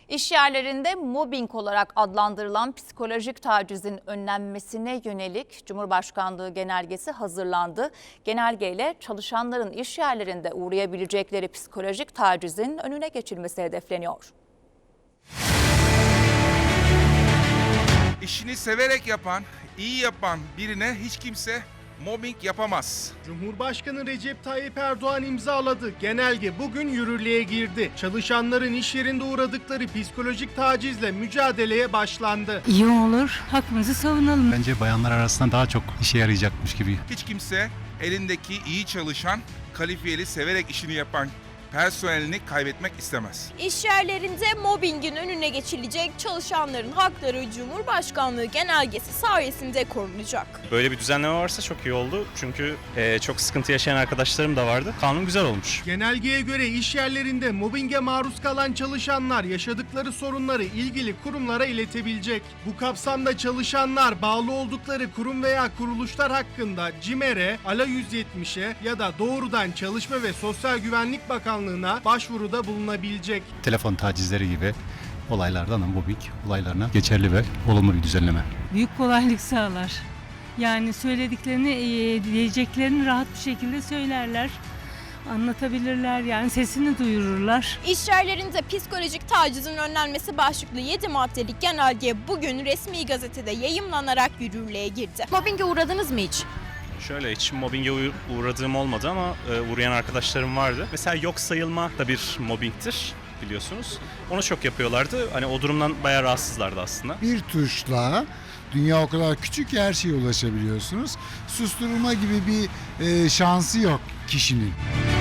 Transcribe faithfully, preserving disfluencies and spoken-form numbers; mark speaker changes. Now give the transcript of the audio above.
Speaker 1: İş yerlerinde mobbing olarak adlandırılan psikolojik tacizin önlenmesine yönelik Cumhurbaşkanlığı genelgesi hazırlandı. Genelgeyle çalışanların iş yerlerinde uğrayabilecekleri psikolojik tacizin önüne geçilmesi hedefleniyor.
Speaker 2: İşini severek yapan, iyi yapan birine hiç kimse mobbing yapamaz.
Speaker 3: Cumhurbaşkanı Recep Tayyip Erdoğan imzaladı. Genelge bugün yürürlüğe girdi. Çalışanların iş yerinde uğradıkları psikolojik tacizle mücadeleye başlandı.
Speaker 4: İyi olur, hakkımızı savunalım.
Speaker 5: Bence bayanlar arasında daha çok işe yarayacakmış gibi.
Speaker 2: Hiç kimse elindeki iyi çalışan, kalifiyeli, severek işini yapan personelini kaybetmek istemez.
Speaker 6: İş yerlerinde mobbingin önüne geçilecek, çalışanların hakları Cumhurbaşkanlığı genelgesi sayesinde korunacak.
Speaker 7: Böyle bir düzenleme varsa çok iyi oldu. Çünkü e, çok sıkıntı yaşayan arkadaşlarım da vardı. Kanun güzel olmuş.
Speaker 3: Genelgeye göre iş yerlerinde mobbinge maruz kalan çalışanlar yaşadıkları sorunları ilgili kurumlara iletebilecek. Bu kapsamda çalışanlar bağlı oldukları kurum veya kuruluşlar hakkında CİMER'e, ALA yüz yetmişe ya da doğrudan Çalışma ve Sosyal Güvenlik Bakanlığı'na başvuruda bulunabilecek.
Speaker 5: Telefon tacizleri gibi olaylardan mobbing olaylarına geçerli ve olumlu bir düzenleme.
Speaker 4: Büyük kolaylık sağlar. Yani söylediklerini, e, diyeceklerini rahat bir şekilde söylerler. Anlatabilirler, yani sesini duyururlar.
Speaker 6: İş yerlerinde psikolojik tacizin önlenmesi başlıklı yedi maddelik genelge bugün resmi gazetede yayımlanarak yürürlüğe girdi. Mobbinge uğradınız mı hiç?
Speaker 7: Şöyle hiç mobbinge uğradığım olmadı ama e, uğrayan arkadaşlarım vardı. Mesela yok sayılma da bir mobbingtir biliyorsunuz. Onu çok yapıyorlardı. Hani o durumdan bayağı rahatsızlardı aslında.
Speaker 8: Bir tuşla dünya o kadar küçük ki her şeye ulaşabiliyorsunuz. Susturulma gibi bir e, şansı yok kişinin.